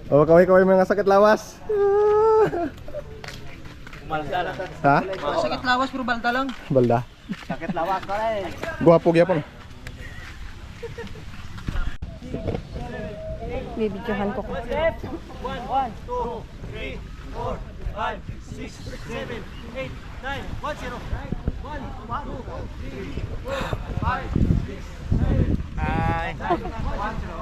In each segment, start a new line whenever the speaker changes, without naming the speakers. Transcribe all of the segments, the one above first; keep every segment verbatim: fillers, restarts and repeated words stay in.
Oh, kaway-kaway mga sakit lawas.
Balda lang.
Ha?
Sakit lawas pero balda lang.
Balda.
Sakit lawas pa rin.
Guwapo gyapon.
Bibidyohan ko.
one, two, three, four, five, six, seven, eight, nine, one, zero. one, two, three, four, five, six, seven, eight, nine, one, zero.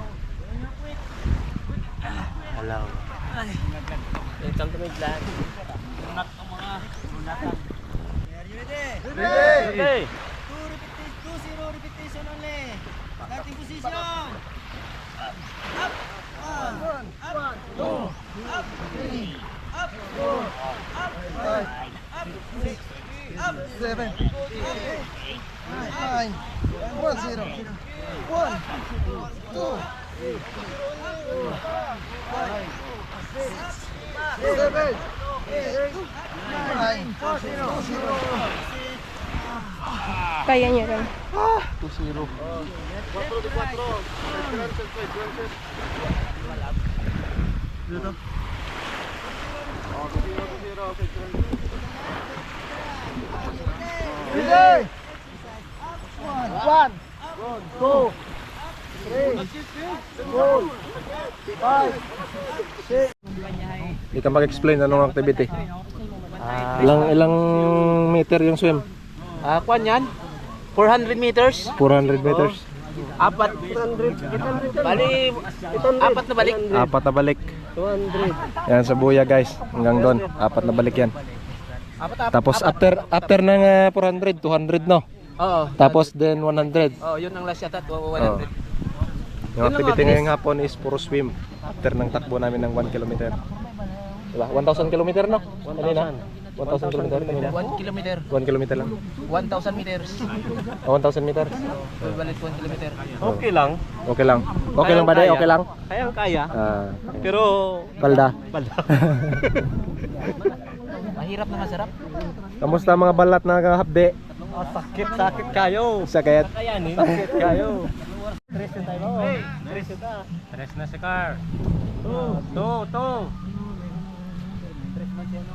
Hello. Welcome to my vlog. Lunat ang mga lunatan. Are you ready?
Ready!
Okay. Two repetition, two zero repetition only. Starting position. Up, one, up, two, up, three, up, four, up, five, up, six, up, seven, up, eight, nine, one, zero. One, two, three, four, five, six, seven, eight, nine, zero.
Kaya niya rin.
two zero.
Dito.
Ready!
One, two, three, four, five, six.
Hindi ka mag-explain anong activity.
Ah,
Ilang ilang meter yung swim?
ah, kwan yan? four hundred meters.
four hundred meters.
Apat. Bali, apat na balik.
Apat na balik.
two hundred.
Yan sa buya guys. Hanggang doon. Apat na balik yan.
Apat, apat.
Tapos after after ng uh, four hundred, two hundred no.
Oo.
Tapos then one hundred.
Oh, yun ang last yata, one hundred.
Yung activity ngayong hapon is puro swim. After ng takbo namin ng one kilometer. Diba? one thousand kilometer no? Kanina? one thousand kilometer kanina?
one kilometer.
one kilometer lang.
one thousand meters.
Oh, one thousand meters.
Equivalent one kilometer.
Okay lang.
Okay lang. Okay lang ba day? Okay lang?
Kayang kaya.
Ah,
Pero
balda.
bala.
Mahirap na masarap.
Kamusta mga balat na kahapde?
Oh, sakit, sakit kayo.
Sakit.
Kayanin. Sakit kayo. Tres na tayo. Hey, tres na. Tres na si Car. Two, two, two. Tres na siya, no?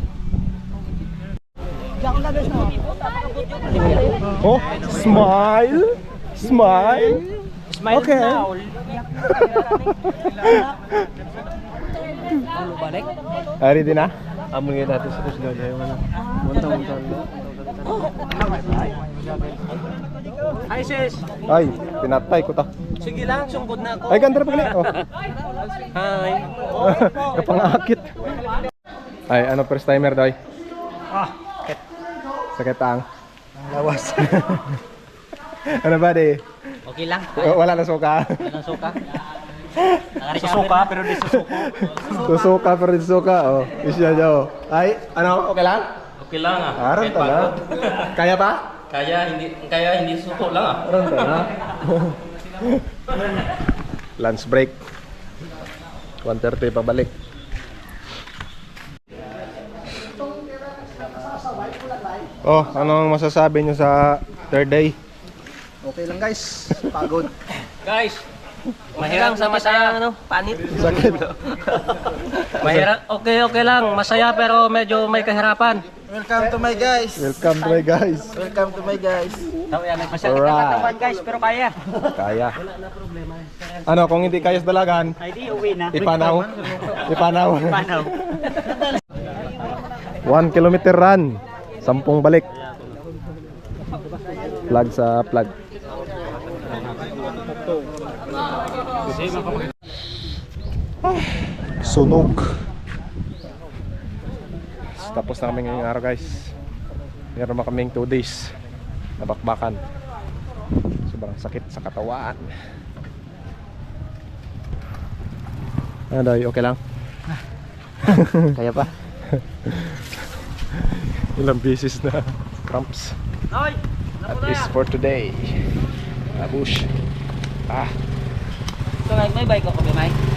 Oh, smile. Smile.
Smile
Okay.
now.
Ano balik?
Ari din na.
Amon nga natin sa kusga dahil ano. one thousand.
Hi sis.
Ay, pinatay ko ta.
Sige lang, sungkod na ako.
Ay, ganda pa gali. Oh.
Hi.
Kapangakit. Ay, ano first timer daw?
Ah,
Sakit ang lawas. Ano ba di?
Okay lang.
Wala na suka.
Walang suka.
susuka pero di susuko.
Susuka pero di suka. Oh, isya daw. Ay, ano? Okay lang?
Okay lang ah.
Aram ta na. Kaya pa?
Kaya hindi kaya hindi suko lang ah.
Aram ta na. Lunch break. one thirty pabalik. Oh, anong masasabi nyo sa third day?
Okay lang guys. Pagod.
Guys, mahirap sa masaya ano, panit.
Sakit.
Mahirap. Okay, okay lang. Masaya pero medyo may kahirapan.
Welcome to my guys.
Welcome to my guys.
Welcome to my guys.
Masakit ang katawan guys, pero kaya.
Kaya. Ano, kung hindi kayas dalagan,
Ay di uwi na.
ipanaw. Ipanaw.
Panaw.
One kilometer run. Sampung balik. Plug sa plug. Ah, sunog. Tapos na kami ngayong araw guys. Meron na kaming two days na bakbakan. Sobrang sakit sa katawan. Ano daw, okay lang?
Kaya pa?
Ilang beses na cramps. At least for today. Abush. Ah.
So, may bike ako, may